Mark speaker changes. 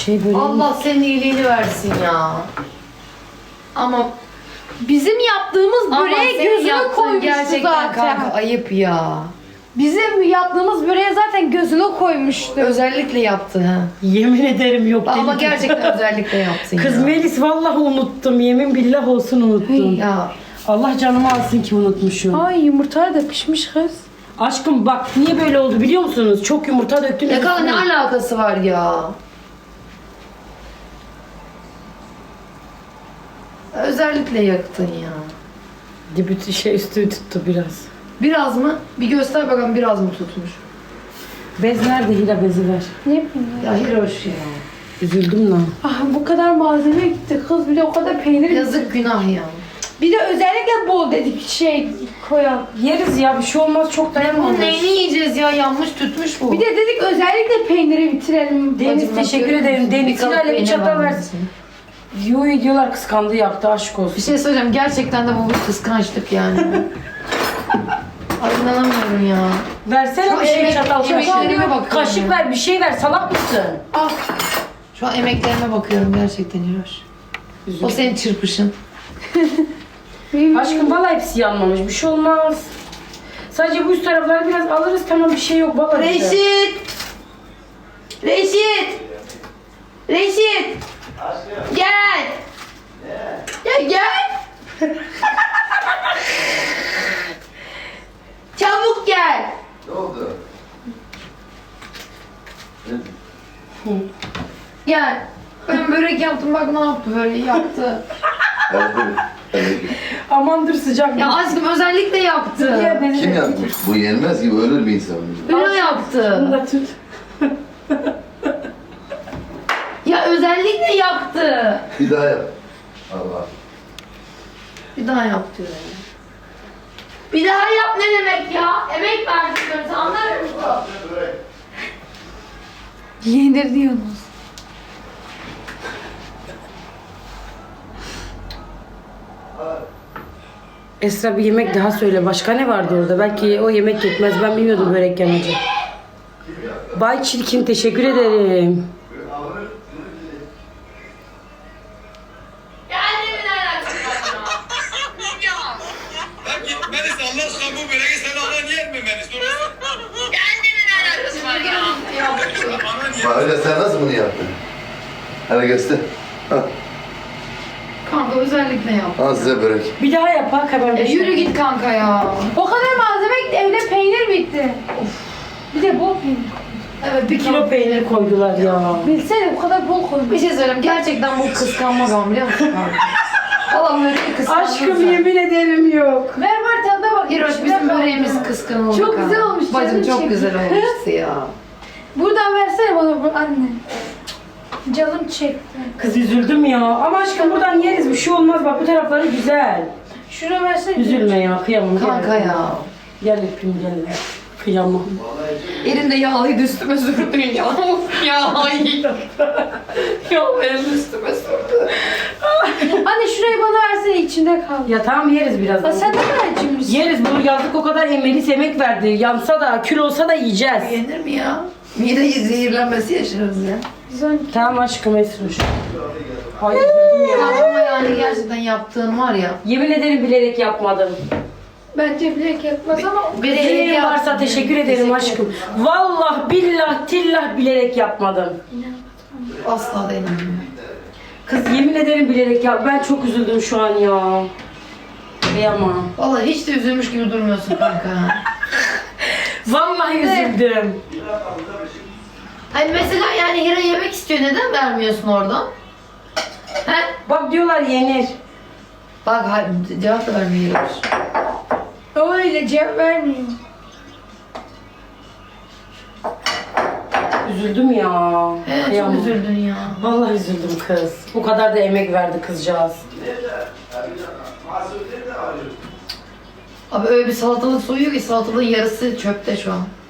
Speaker 1: Şey böyle.
Speaker 2: Allah senin iyiliğini versin ya. Ama
Speaker 3: Bizim yaptığımız böreğe
Speaker 2: senin
Speaker 3: gözünü
Speaker 2: yaptığın
Speaker 3: koymuştu
Speaker 2: gerçekten
Speaker 3: zaten.
Speaker 2: kanka ayıp ya.
Speaker 3: Bizim yaptığımız böreğe zaten gözünü koymuştu.
Speaker 2: Özellikle yaptı ha.
Speaker 1: Yemin ederim yok.
Speaker 2: Ama
Speaker 1: dedim.
Speaker 2: gerçekten özellikle yaptın
Speaker 1: Kız
Speaker 2: ya.
Speaker 1: Melis vallahi unuttum. Yemin billah olsun unuttum.
Speaker 2: Ya
Speaker 1: Allah canımı alsın ki unutmuşum.
Speaker 3: Ay yumurtalar da pişmiş kız.
Speaker 1: Aşkım bak niye böyle oldu biliyor musunuz? Çok yumurta döktüm.
Speaker 2: ya kanka ne alakası var ya? Özellikle yaktın ya.
Speaker 1: Dibi şey üstü tuttu biraz.
Speaker 2: Biraz mı? Bir göster bakalım biraz mı tutmuş?
Speaker 1: Bez nerede? Hila bezi ver.
Speaker 3: Ne bileyim ya.
Speaker 2: Ya Hiroş ya.
Speaker 1: Üzüldüm lan.
Speaker 3: Ah bu kadar malzeme gitti kız, bir de o kadar peynir gitti.
Speaker 2: Yazık günah ya.
Speaker 3: Bir de özellikle bol dedik şey koyalım.
Speaker 1: Yeriz ya bir şey olmaz çok
Speaker 2: Bunun
Speaker 1: dayanmamış.
Speaker 2: neyini yiyeceğiz ya? Yanmış tütmüş bu.
Speaker 3: Bir de dedik özellikle peyniri bitirelim.
Speaker 1: Deniz
Speaker 2: Bacım,
Speaker 1: teşekkür
Speaker 2: bakıyorum.
Speaker 1: ederim. Deniz
Speaker 2: kalıp
Speaker 1: Hilal'e bir
Speaker 2: peynir
Speaker 1: çatal
Speaker 2: var
Speaker 1: versin. Yo diyorlar kıskandı yaptı aşk olsun.
Speaker 2: Bir şey söyleyeceğim. Gerçekten de bu bir kıskançlık yani. Ay inanamıyorum ya.
Speaker 1: Versene
Speaker 2: Şu
Speaker 1: bir şey
Speaker 2: emek-
Speaker 1: çatal.
Speaker 2: emeklerime bakıyorum
Speaker 1: Kaşık
Speaker 2: ya.
Speaker 1: ver bir şey ver salak mısın?
Speaker 2: Ah. Şu an emeklerime bakıyorum gerçekten Hiroş. O senin çırpışın.
Speaker 1: Aşkım valla hepsi yanmamış bir şey olmaz. Sadece bu üst tarafları biraz alırız tamam bir şey yok valla.
Speaker 2: Reşit! Reşit! Reşit! Gel! Ya gel! Çabuk gel!
Speaker 4: Ne oldu?
Speaker 2: Gel. Ben börek yaptım bak ne yaptı böyle yaktı.
Speaker 1: Aman dur sıcak.
Speaker 2: Ya aşkım özellikle yaptı.
Speaker 1: Ya beni
Speaker 4: Kim
Speaker 1: de-
Speaker 4: yapmış? Bu yenmez gibi ölür bir insan.
Speaker 2: Ünlü
Speaker 1: Bunu
Speaker 2: yaptı.
Speaker 1: da tut.
Speaker 2: Ya özellikle yaptı.
Speaker 4: Bir daha yap. Allah.
Speaker 2: Bir daha yaptı. Bir daha yap ne demek ya? Emek verdik diyorum sen anlar mısın?
Speaker 3: Yenir diyorsunuz.
Speaker 1: Esra bir yemek daha söyle. Başka ne vardı orada? Belki o yemek yetmez. Ben bilmiyordum börek yanacak. Bay Çirkin teşekkür ederim.
Speaker 2: Geldiğimin alakası var ya.
Speaker 5: Lan git Melis Allah aşkına bu böreği sen anan yer mi Melis?
Speaker 2: Geldiğimin alakası var ya.
Speaker 5: Anan yer.
Speaker 4: Bak öyle sen nasıl bunu yaptın? Hadi göster. Al,
Speaker 2: Kanka özellikle yap.
Speaker 4: al size börek.
Speaker 1: Bir daha yap bak hemen.
Speaker 2: Yürü git kanka ya.
Speaker 3: O kadar malzeme gitti, evde peynir bitti. Bir de bol peynir.
Speaker 2: Evet
Speaker 1: Bir kilo peynir koydular ya.
Speaker 3: Bilsene o kadar bol
Speaker 2: Bir
Speaker 3: koymuş.
Speaker 2: şey söyleyeyim gerçekten bu kıskanma ben biliyor musun kanka? Valla böreği kıskandım.
Speaker 1: Aşkım yemin ederim yok.
Speaker 3: Ver var tadına bak.
Speaker 2: Hiroş bizim böreğimiz kıskanıldı.
Speaker 3: Çok
Speaker 2: kanka.
Speaker 3: güzel olmuş,
Speaker 2: Bacım
Speaker 3: canım
Speaker 2: çok
Speaker 3: çekti.
Speaker 2: güzel olmuştu ya.
Speaker 3: Buradan versene bana bu anne. Canım çekti.
Speaker 1: Kız üzüldüm ya. Ama aşkım buradan yeriz bir şey olmaz. Bak bu tarafları güzel.
Speaker 3: Şunu versene.
Speaker 1: Üzülme ya kıyamam.
Speaker 2: Kanka
Speaker 1: Gel.
Speaker 2: ya.
Speaker 1: Gel öpeyim gel. Kıyamam.
Speaker 2: Elinde yağlıydı üstüme sürdün ya. Of ya ay. Ya benim üstüme sürdü.
Speaker 3: Anne şurayı bana versene, içinde kal.
Speaker 1: Ya tamam yeriz birazdan.
Speaker 3: Aa, sen ne kadar acımışsın.
Speaker 1: Yeriz bunu yazdık o kadar Melis emek verdi. Yansa da kül olsa da yiyeceğiz.
Speaker 2: Yenir mi ya? Mide zehirlenmesi yaşarız ya.
Speaker 3: Güzel.
Speaker 1: Tamam aşkım Esruş. Ay üzüldüm ya.
Speaker 2: Ya ama yani gerçekten yaptığın var ya.
Speaker 1: Yemin ederim bilerek yapmadım.
Speaker 3: Bence bilek yapmaz ama
Speaker 1: Bileğin varsa teşekkür ederim aşkım. Vallahi billah tillah bilerek yapmadım.
Speaker 2: Asla da inanmıyorum.
Speaker 1: Kız yemin ederim bilerek yap. Ben çok üzüldüm şu an ya. Kıyamam.
Speaker 2: Vallahi hiç de üzülmüş gibi durmuyorsun kanka.
Speaker 1: Vallahi üzüldüm.
Speaker 2: Hani mesela yani Hira yemek istiyor neden vermiyorsun oradan? He?
Speaker 1: Bak diyorlar yenir.
Speaker 2: Bak cevap da vermiyoruz.
Speaker 3: öyle cevap vermiyor.
Speaker 1: Üzüldüm ya.
Speaker 2: Çok
Speaker 1: Kıyamam.
Speaker 2: üzüldün ya.
Speaker 1: Vallahi üzüldüm kız. O kadar da emek verdi kızcağız.
Speaker 2: Abi öyle bir salatalık soyuyor ki salatalığın yarısı çöpte şu an.